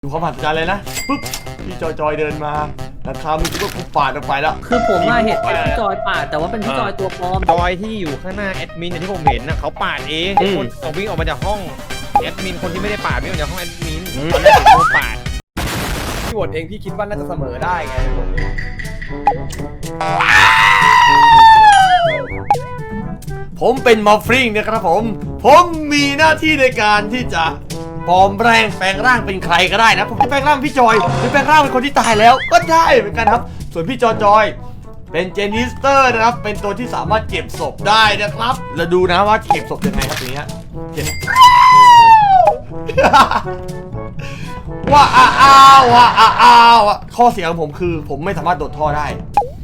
ดูความมหัศจรรย์เลยนะปุ๊บพี่จอยเดินมาแต่คามึงก็กูปาดออกไปแล้วคือผมมาเห็นพี่จอยปาดแต่ว่าเป็นพี่จอยตัวปลอมจอยที่อยู่ข้างหน้าแอดมินที่ผมเห็นนะเขาปาดเองคนเขาวิ่งออกมาจากห้องแอดมินคนที่ไม่ได้ปาดวิ่งออกจากห้องแอดมินตอนแรกผมโดนปาดพี่โหวตเองพี่คิดว่าน่าจะเสมอได้ไงผมเป็นมอฟริงนะครับผมมีหน้าที่ในการที่จะปลอมแปลงร่างเป็นใครก็ได้นะผมจะแปลงร่างพี่จอยหรือแปลงร่างเป็นคนที่ตายแล้วก็ได้เหมือนกันครับส่วนพี่จอยเป็นเจนิสเตอร์นะครับเป็นตัวที่สามารถเก็บศพได้นะครับแล้วดูนะว่าเก็บศพยังไงครับอย่างเงี้ยเก็บว่าข้อเสียของผมคือผมไม่สามารถโดดท่อได้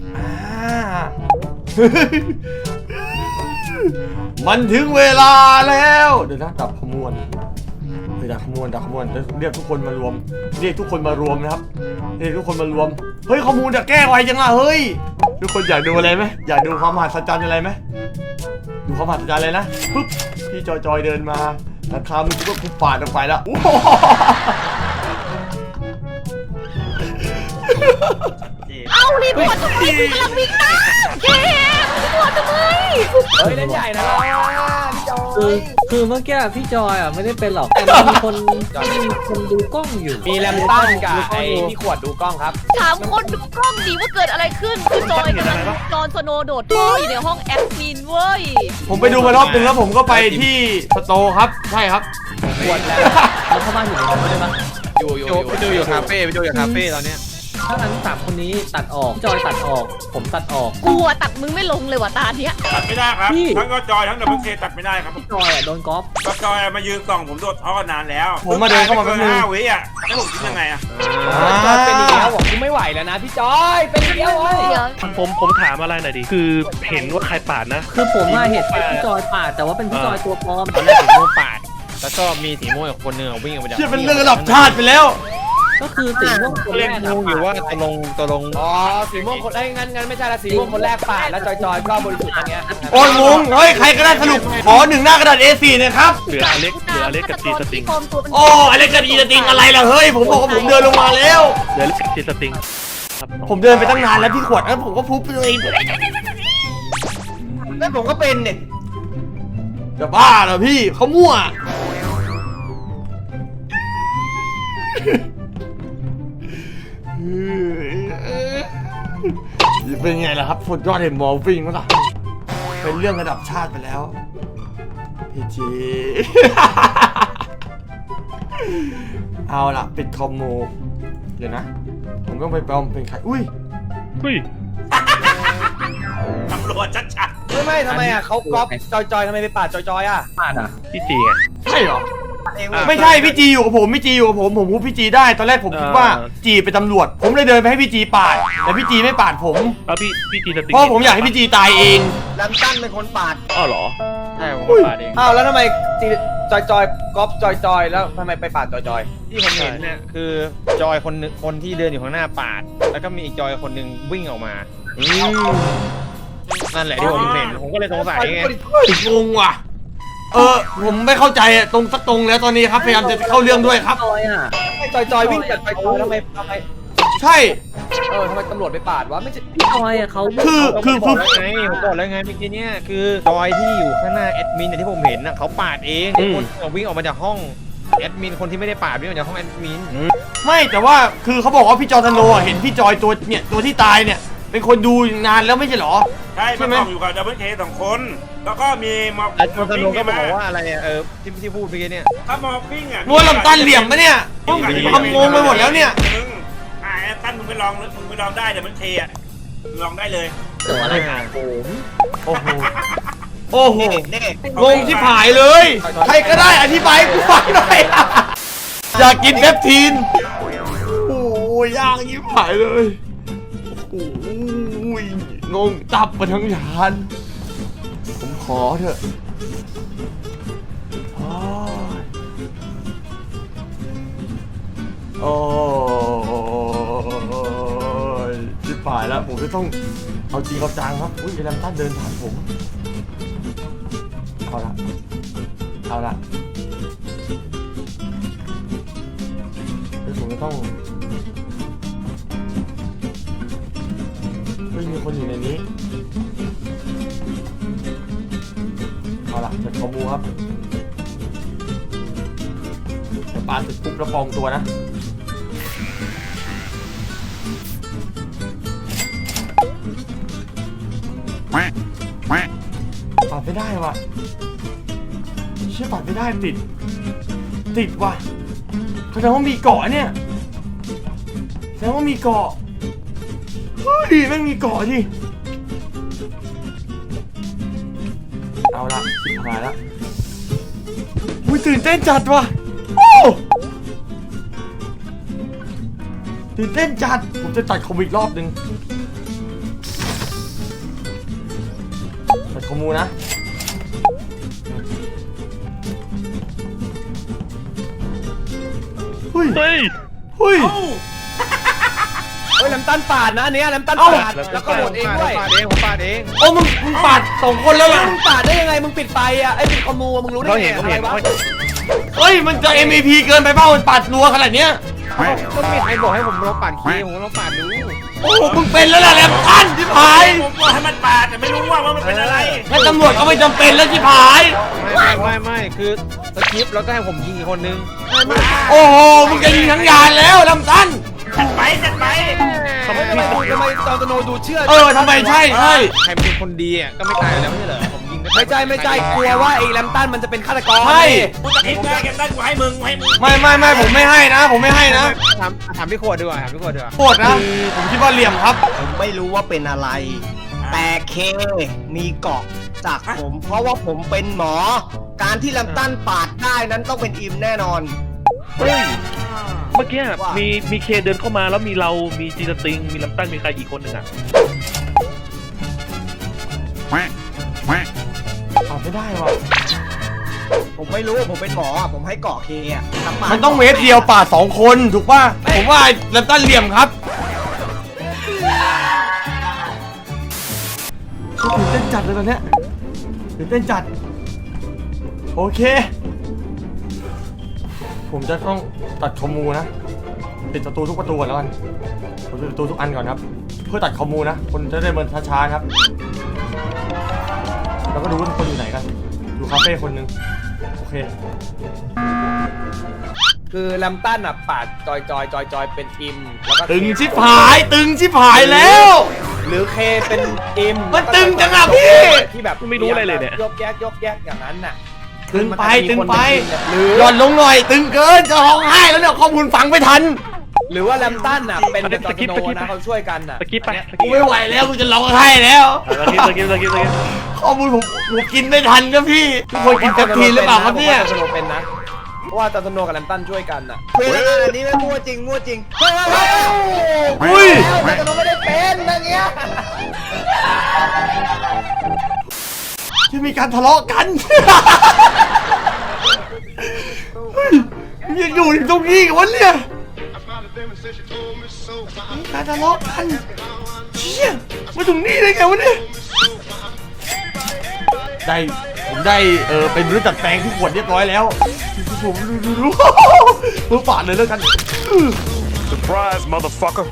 มันถึงเวลาแล้วเดี๋ยวนะดับขมวนดับขมวนเรียกทุกคนมารวมนะครับเรียกทุกคนมารวมเฮ้ยข้อมูลจะแก้ไวจังล่ะเฮ้ยทุกคนอยากดูอะไรไหมอยากดูความมหัศจรรย์อะไรไหมดูความมหัศจรรย์เลยนะปุ๊บพี่จอยเดินมาแต่คามึงก็กูปาดออกไปแล้วเอารีพอร์ตทำไมกูกำลังวิ่งหน้าเกมรีพอร์ตทำไมเฮ้ยเล่นใหญ่นะเราพี่จอยคือเมื่อกี้พี่จอยไม่ได้เป็นหรอกแต่มีคนดูกล้องอยู่มีแรมตันกับไอ้พี่ขวดดูกล้องครับถามคนดูกล้องดีว่าเกิดอะไรขึ้นคือจอยกำลังจอนสโนโดดท่ออยู่ในห้องแอดมินเว้ยผมไปดูมารอบนึงแล้วผมก็ไปที่สโตร์ครับใช่ครับขวดแล้วเข้าบ้านอยู่ในนั้นได้ปะอยู่คาเฟ่ไปดูอยู่คาเฟ่ตอนเนี้ยถ้างั้น3คนนี้ตัดออกพี่จอยตัดออกผมตัดออกกลัวตัดมึงไม่ลงเลยว่ะตาเนี้ยตัดไม่ได้ครับทั้งก็จอยทั้งดับเบิลเคตัดไม่ได้ครับพี่จอยโดนก๊อฟก็จอยมายืนส่องผมโดดท่อนานแล้วผมมาเดินเข้ามาเป็น 5 วิอ่ะแล้วผมคิดยังไงอ่ะจอยเป็นอีกแล้วบอกกูไม่ไหวแล้วนะพี่จอยเป็นอีกแล้วผมถามอะไรหน่อยดิคือเห็นว่าใครปาดนะคือผมมาเห็นพี่จอยปาดแต่ว่าเป็นพี่จอยตัวปลอมตอนแรกสีม่วงปาดแล้วก็มีสีม่วงคนหนึ่งวิ่งออกมาจากที่เป็นเรื่องระดับชาติไปแล้วก็คือสีม่วงคนแรกงงอยู่ว่าตกลงอ๋อสีม่วงคนงั้นไม่ใช่ละสีม่วงคนแรกปาดแล้วจอยก็บริสุทธิ์อย่างเงี้ยโอ้ยงงเฮ้ยใครก็ได้สรุปขอ1หน้ากระดาษ A4 นะครับเหลืออเล็กกับจีสติงโอ้อเล็กกับจีสติงอะไรล่ะเฮ้ยผมบอกว่าผมเดินลงมาแล้วเหลืออเล็กกับจีสติงผมเดินไปตั้งนานแล้วพี่ขวดแล้วผมก็พุบไปเลยแล้วผมก็เป็นเนี่ยจะบ้าเหรอพี่เขามั่วเป็นไงล่ะครับสุดยอดเห็นมอลฟิงมั้งล่ะเป็นเรื่องระดับชาติไปแล้วพี่จีเอาล่ะปิดคอมโมเดี๋ยวนะผมต้องไปปลอมเป็นใครอุ้ยตำรวจชัดไม่ทำไมอ่ะเขาก๊อปจอยทำไมไปปาดจอยอ่ะปาดอ่ะพี่จีไงใช่เหรอไม่ใช่พี่จีอยู่กับผมผมพูดพี่จีได้ตอนแรกผมคิดว่าจีเป็นตำรวจผมเลยเดินไปให้พี่จีปาดแต่พี่จีไม่ปาดผมพี่จีสติงเพราะผมอยากให้พี่จีตายเองแรมตันเป็นคนปาดอ้าวเหรอใช่ผมปาดเองอ้าวแล้วทำไมจอยก๊อปจอยแล้วทำไมไปปาดจอยที่ผมเห็นเนี่ยคือจอยคนที่เดินอยู่ข้างหน้าปาดแล้วก็มีอีกจอยคนหนึ่งวิ่งออกมานั่นแหละที่ผมเห็นผมก็เลยสงสัยไงงงว่ะผมไม่เข้าใจตรงแล้วตอนนี้ครับพยายามจะเข้าเรื่องด้วยครับจอยวิ่งจากจอยทำไมใช่ทำไมตำรวจไปปาดวะไม่ใช่จอยอ่ะเขาคือผมบอกแล้วไงเมื่อกี้เนี่ยคือจอยที่อยู่ข้างหน้าแอดมินที่ผมเห็นน่ะเขาปาดเองคนวิ่งออกมาจากห้องแอดมินคนที่ไม่ได้ปาดวิ่งออกจากห้องแอดมินไม่แต่ว่าคือเขาบอกว่าพี่จอยธโนเห็นพี่จอยตัวที่ตายเนี่ยเป็นคนดูนานแล้วไม่ใช่หรอใช่ไหมอยู่กับดับเบิลเค2 คนแล้วก็มีมอฟฟิ้งก็บอกว่าอะไรที่พูดเมื่อกี้เนี่ยถ้ามอฟฟิ้งอ่ะนวลลำตันเหลี่ยมปะเนี่ยทำงงไปหมดแล้วเนี่ยตั้นมึงไปลองได้เดี๋ยวมันเคอ่ะลองได้เลยตัวอะไรงานโอ้โหงงที่ผายเลยใครก็ได้อธิบายกูฟังหน่อยอยากกินเปปทีนโอ้ยยากยิ่งผายเลยโอ้ยงงตับมาทั้งยานผมขอเถอะโอ้ยชิบหายแล้วผมจะต้องเอาจริงเอาจังครับอุ้ยแรมตันเดินผ่านผมเอาละผมผมจะต้องไม่มีคนอยู่ในนี้เอาล่ะจะขโมยครับเดี๋ยวปาเสร็จปุ๊บแล้วปลอมตัวนะปัดไม่ได้ว่ะเชื่อปัดไม่ได้ติดว่ะแสดงว่ามีเกาะเนี่ยแสดงว่ามีเกาะเฮ้ยแม่งมีเกาะดิเอาละชิบหายละอุ้ยตื่นเต้นจัดว่ะโอ้ตื่นเต้นจัดผมจะตัดคอมอีกรอบนึงตัดคอมมูนะเฮ้ยเฮ้ยเฮ้ยเฮ้ยแลมตันปาดนะอันเนี้ยแลมตันเอ้าปาดแล้วก็โหวตเองด้วยผมปาดเองโอ้มึงปาด2 คนแล้วเหรอมึงปาดได้ยังไงมึงปิดไฟอ่ะไอ้ปิดคอมมูมึงรู้ได้เขาไงเห็นเขาอะไรเห็นวะเฮ้ยมันจะ MVP เกินไปเปล่ามันปาดรัวขนาดเนี้ยก็ไม่มีใครบอกให้ผมลองปาดคีย์ผมลองปาดดูโอ้มึงเป็นแล้วล่ะแลมตันชิบหายผมบอกให้มันปาดแต่ไม่รู้ว่ามันเป็นอะไรงั้นตำรวจก็ไม่จำเป็นแล้วชิบหายไม่คือสคริปต์แล้วก็ให้ผมยิงอีกคนนึงโอ้โหมึงจะยิงทั้งยานแล้วแลมตันจัดไปจัดไปทำไมจอร์โตโนดูเชื่อทำไมใช่ใครเป็นคนดีอ่ะก็ไม่ตายแล้วไม่ใช่เหรอผมยิงไม่ใช่กลัวว่าไอ้แลมตันมันจะเป็นฆาตกรใช่กูจะคิดได้กันได้กูให้มึงไม่ผมไม่ให้นะผมไม่ให้นะถามพี่ขวดดีกว่าถามพี่ขวดดีกว่าโคตรนะผมคิดว่าเหลี่ยมครับผมไม่รู้ว่าเป็นอะไร แต่เคมีเกาะจากผม เพราะว่าผมเป็นหมอ การที่ลำตันปาดได้นั้นต้องเป็นอิมแน่นอนเฮ้ย เมื่อกี้มีเคเดินเข้ามาแล้วมีเรามีจีสติง มีลำตั้งมีใครอีกคนหนึ่งอ่ะเอาไม่ได้ว่ะผมไม่รู้ว่าผมเป็นหมออะผมให้เกาะเคอะแต่ปาดมันต้องเวฟเดียวปาด2 คนถูกป่ะผมว่าแลมตันเหลี่ยมครับตื่นเต้นจัดเลยตอนเนี้ยตื่นเต้นจัดโอเคผมจะต้องตัดคอมมูนะปิดประตูทุกประตูก่อนแล้วกันผมปิดประตูทุกอันก่อนครับเพื่อตัดคอมมูนะคนจะได้เดินช้าๆครับแล้วก็ดูว่าทุกคนอยู่ไหนกันดูคาเฟ่คนหนึงโอเคคือแลมตันอ่ะปาดจอยเป็นอิมแล้วก็ตึงชิบหายแล้วหรือเคเป็นอิมมันตึงจังอะพี่ที่แบบไม่รู้อะไรเลยเนี่ยยกแยกอย่างนั้นน่ะตึงไปหรือหย่อนลงหน่อยตึงเกินจะร้องไห้แล้วเนี่ยข้อมูลฟังไม่ทันหรือว่าแลมตันอ่ะเป็นอันนี้จอร์โตโนสกิปนะเขาช่วยกันน่ะสกิปไปกูไม่ไหวแล้วกูจะร้องไห้แล้วสกิปข้อมูลผมกินไม่ทันครับพี่ทุกคนกินแป๊บทีหรือเปล่าครับเนี่ยจอร์โตโนเป็นนะเพราะว่าจอร์โตโนกับแลมตันช่วยกันน่ะเวลาอันนี้ไม่มั่วจริงเฮ้ยอุ้ยจอร์โตโนไม่ได้เป็นอย่างเงี้ยจะมีการทะเลาะกันเฮ้ยยังอยู่ตรงนี้กันวะเนี่ยมีการทะเลาะกันเชี่ยมาตรงนี้ได้ไงวะเนี่ยผมได้เป็นมนุษย์จัดแปลงที่ขวดเรียบร้อยแล้วผมดูเพื่อปาดเลยแล้วกัน Surprise, motherfucker.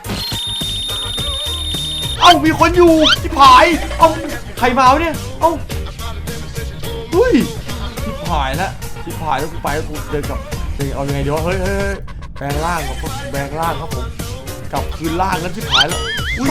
เอ้ามีคนอยู่ที่ผายเอ้าใครมาวะเนี่ยเอ้าเฮ้ยที่ผายแล้วกูไปแล้วกูเดินกลับเอายังไงดีวะเฮ้ยแปลงร่างครับแปลงร่างครับผมกลับคืนร่างแล้วที่ผายแล้วอุ้ย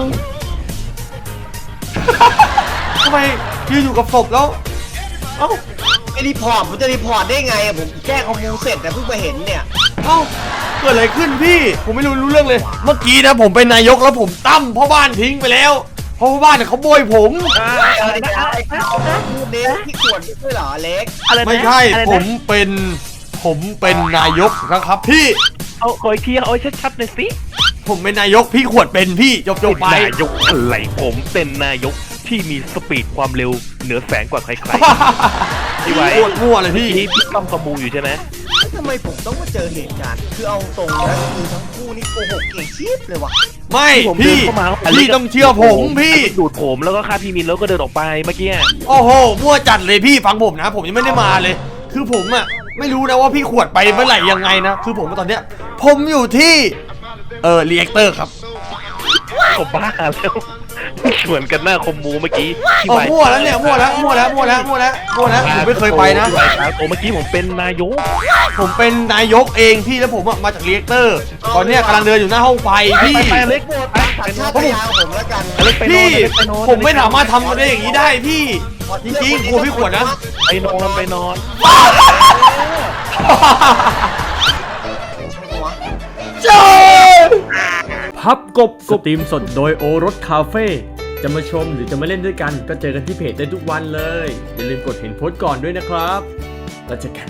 ทำไมยืนอยู่กับศพแล้วเอ้าไม่รีพอร์ตผมจะรีพอร์ตได้ไงอะผมแก้ข้อมูลเสร็จแต่เพิ่งมาเห็นเนี่ยเอ้าเกิดอะไรขึ้นพี่ผมไม่รู้เรื่องเลยเมื่อกี้นะผมเป็นนายกแล้วผมตั้มพ่อบ้านทิ้งไปแล้วเพราะพ่อบ้านเนี่ยเขาโบยผมอะไรนะพูดเน้นที่ขวดด้วยเหรอเล็กไม่ใช่ผมเป็นนายกนะครับพี่เอาขออีกทีเอาชัดๆหน่อยสิผมเป็นนายกพี่ขวดเป็นพี่จบไปนายกอะไรผมเป็นนายกที่มีสปีดความเร็วเหนือแสงกว่าใครๆพี่ไว้โคตรมั่วเลยพี่พี่ต้องขมูอยู่ใช่ไหมทำไมผมต้องมาเจอเหตุการณ์คือเอาตรงนะคือทั้งคู่นี่โกหกเก่งชีพเลยว่ะไม่ผมเดิพี่นเข้ามาพี่ต้องเชื่อผมพี่ดูดผมแล้วก็ฆ่าพี่มินแล้วก็เดินออกไปเมื่อกี้โอ้โหมั่วจัดเลยพี่ฟังผมนะผมยังไม่ได้มาเลย คือผมอะไม่รู้นะว่าพี่ขวดไปเมื่อไหร่ยังไงนะคือผมตอนเนี้ยผมอยู่ที่รีแอคเตอร์ครับผมบ้าแล้วเหมือนกันหน้าคมมูเมื่อกี้ที่อ๋อมั่วแล้วเนี่ยมั่วแล้วผมไม่เคยไปนะโอ้เมื่อกี้ผมเป็นนายกผมเป็นนายกเองพี่แล้วผมอะมาจากรีแอคเตอร์ตอนเนี้ยกำลังเดินอยู่หน้าห้องไฟพี่ไปเล็กโหวตไปสัญชาตญาณผมแล้วกันเล็กไปนอนพี่เล็กไปนอนผมไม่สามารถทำได้อย่างนี้ได้พี่จริงๆกลัวพี่ขวดนะไปนอนไปนอนพับกบสตรีมสดโดยโอรสคาเฟ่จะมาชมหรือจะมาเล่นด้วยกันก็เจอกันที่เพจได้ทุกวันเลย อย่าลืมกดเห็นโพสต์ก่อนด้วยนะครับแล้วเจอกัน